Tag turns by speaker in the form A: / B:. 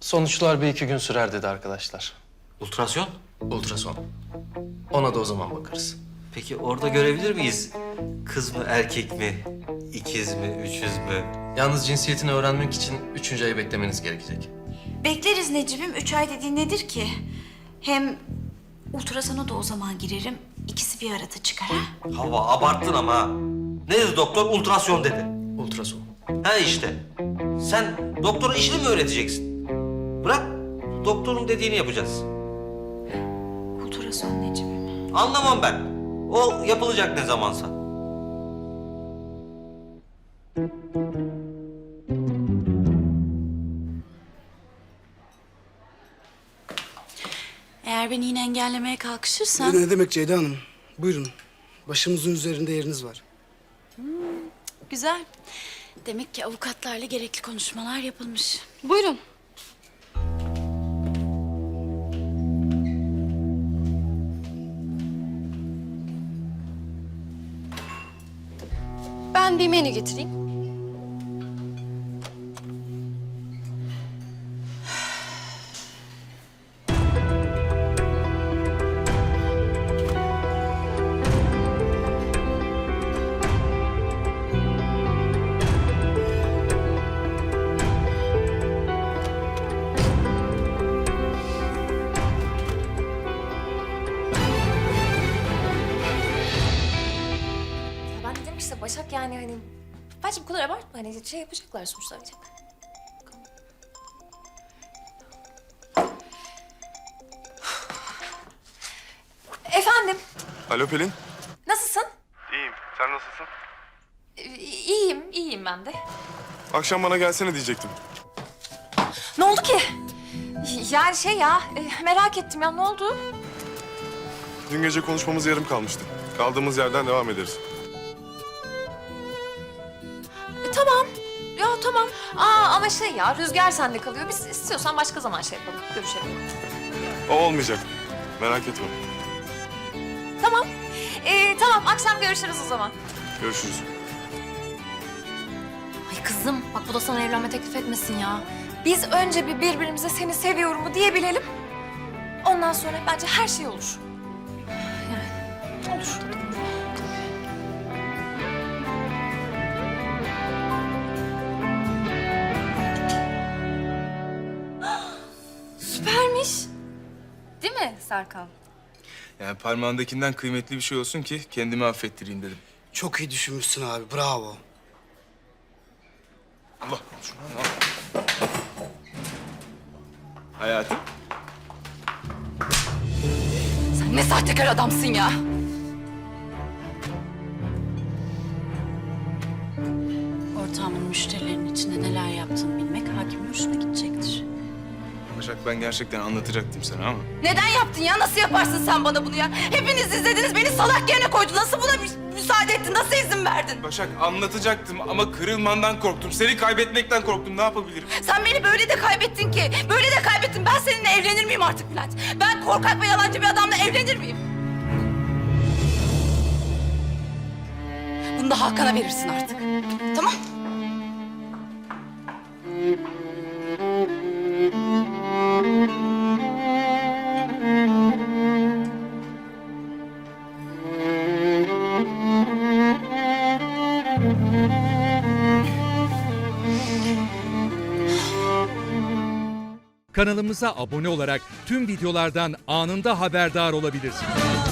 A: Sonuçlar bir iki gün sürer dedi arkadaşlar.
B: Ultrason?
A: Ultrason. Ona da o zaman bakarız.
B: Peki orada görebilir miyiz? Kız mı, erkek mi? İkiz mi, üçüz mü?
A: Yalnız cinsiyetini öğrenmek için 3. ayı beklemeniz gerekecek.
C: Bekleriz Necip'im. 3 ay dediğin nedir ki? Hem ultrasona da o zaman girerim. İkisi bir arada çıkar ha.
B: Hava abarttın ama ha. Ne dedi doktor? Ultrason dedi.
A: Ultrason.
B: Ha işte. Sen doktora işini mi öğreteceksin? Bırak doktorun dediğini yapacağız.
C: Ultrason Necip'im.
B: Anlamam ben. O yapılacak ne zamansa.
C: Eğer beni yine engellemeye kalkışırsan...
D: Ne demek Ceyda Hanım? Buyurun. Başımızın üzerinde yeriniz var.
C: Güzel. Demek ki avukatlarla gerekli konuşmalar yapılmış.
E: Buyurun. Ben bir menü getireyim.
F: Ben dedim ki işte Başak yani hani bence bu kadar abartma hani şey yapacaklar sonuçta. Efendim,
G: Alo Pelin.
F: nasılsın?
G: İyiyim. Sen nasılsın?
F: İyiyim ben de.
G: Akşam bana gelsene diyecektim.
F: Ne oldu ki? Yani şey ya, merak ettim ya ne oldu?
G: Dün gece konuşmamız yarım kalmıştı. Kaldığımız yerden devam ederiz.
F: Tamam. Ya tamam. Ama şey ya, Rüzgar sende kalıyor. Biz istiyorsan başka zaman şey yapalım, görüşelim.
G: O olmayacak. Merak etme.
F: Tamam. Tamam, akşam görüşürüz o zaman.
G: Görüşürüz.
F: Ay kızım, bak bu da sana evlenme teklif etmesin ya. Biz önce bir birbirimize seni seviyorum mu diyebilelim. Ondan sonra bence her şey olur. Yani olur. Süpermiş. Değil mi Serkan?
H: Yani parmağındakinden kıymetli bir şey olsun ki kendimi affettireyim dedim.
D: Çok iyi düşünmüşsün abi. Bravo.
H: Allah şunu al. Hayatım.
E: Sen ne sahtekar adamsın ya.
C: Ortağımın müşterilerin içinde neler yaptığını bilmek hakimin hoşuna gidecektir.
H: Başak ben gerçekten anlatacaktım sana ama.
E: Neden yaptın ya? Nasıl yaparsın sen bana bunu ya? Hepiniz izlediniz, beni salak yerine koydun. Nasıl buna müsaade ettin? Nasıl izin verdin?
H: Başak anlatacaktım ama kırılmandan korktum. Seni kaybetmekten korktum. Ne yapabilirim?
E: Sen beni böyle de kaybettin ki. Böyle de kaybettin. Ben seninle evlenir miyim artık Bülent? Ben korkak ve yalancı bir adamla evlenir miyim? Bunu da Hakan'a verirsin artık. Tamam?
I: Kanalımıza abone olarak tüm videolardan anında haberdar olabilirsiniz.